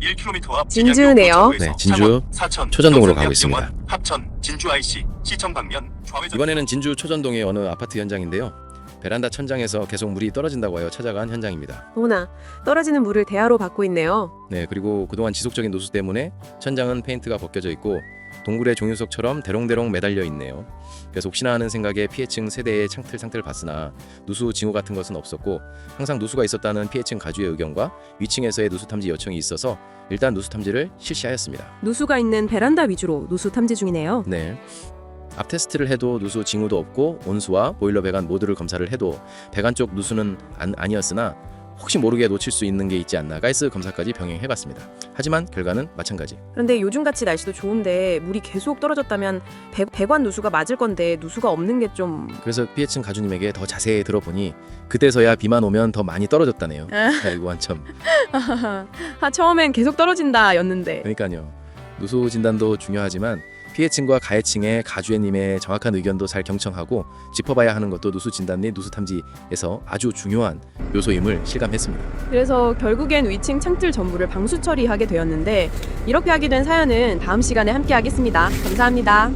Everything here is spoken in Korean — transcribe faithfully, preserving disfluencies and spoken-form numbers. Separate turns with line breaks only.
일 킬로미터 앞
진주네요.
네, 진주 초전동으로 가고 있습니다.
합천 진주 아이씨 시청 방면 좌회전.
이번에는 진주 초전동의 어느 아파트 현장인데요. 베란다 천장에서 계속 물이 떨어진다고 하여 찾아간 현장입니다.
어머나, 떨어지는 물을 대하로 받고 있네요.
네, 그리고 그동안 지속적인 누수 때문에 천장은 페인트가 벗겨져 있고 동굴의 종유석처럼 대롱대롱 매달려 있네요. 그래서 혹시나 하는 생각에 피해층 세대의 창틀 상태를 봤으나 누수 징후 같은 것은 없었고 항상 누수가 있었다는 피해층 가주의 의견과 위층에서의 누수 탐지 요청이 있어서 일단 누수 탐지를 실시하였습니다.
누수가 있는 베란다 위주로 누수 탐지 중이네요.
네. 앞 테스트를 해도 누수 징후도 없고 온수와 보일러 배관 모두를 검사를 해도 배관 쪽 누수는 안, 아니었으나 혹시 모르게 놓칠 수 있는 게 있지 않나 가이스 검사까지 병행해봤습니다. 하지만 결과는 마찬가지.
그런데 요즘같이 날씨도 좋은데 물이 계속 떨어졌다면 배, 배관 누수가 맞을 건데 누수가 없는 게 좀...
그래서 피해층 가주님에게 더 자세히 들어보니 그때서야 비만 오면 더 많이 떨어졌다네요. 아이고 한참.
아, 처음엔 계속 떨어진다 였는데.
그러니까요. 누수 진단도 중요하지만 피해층과 가해층의 가주애님의 정확한 의견도 잘 경청하고 짚어봐야 하는 것도 누수 진단 및 누수 탐지에서 아주 중요한 요소임을 실감했습니다.
그래서 결국엔 위층 창틀 전부를 방수 처리하게 되었는데 이렇게 하게 된 사연은 다음 시간에 함께 하겠습니다. 감사합니다.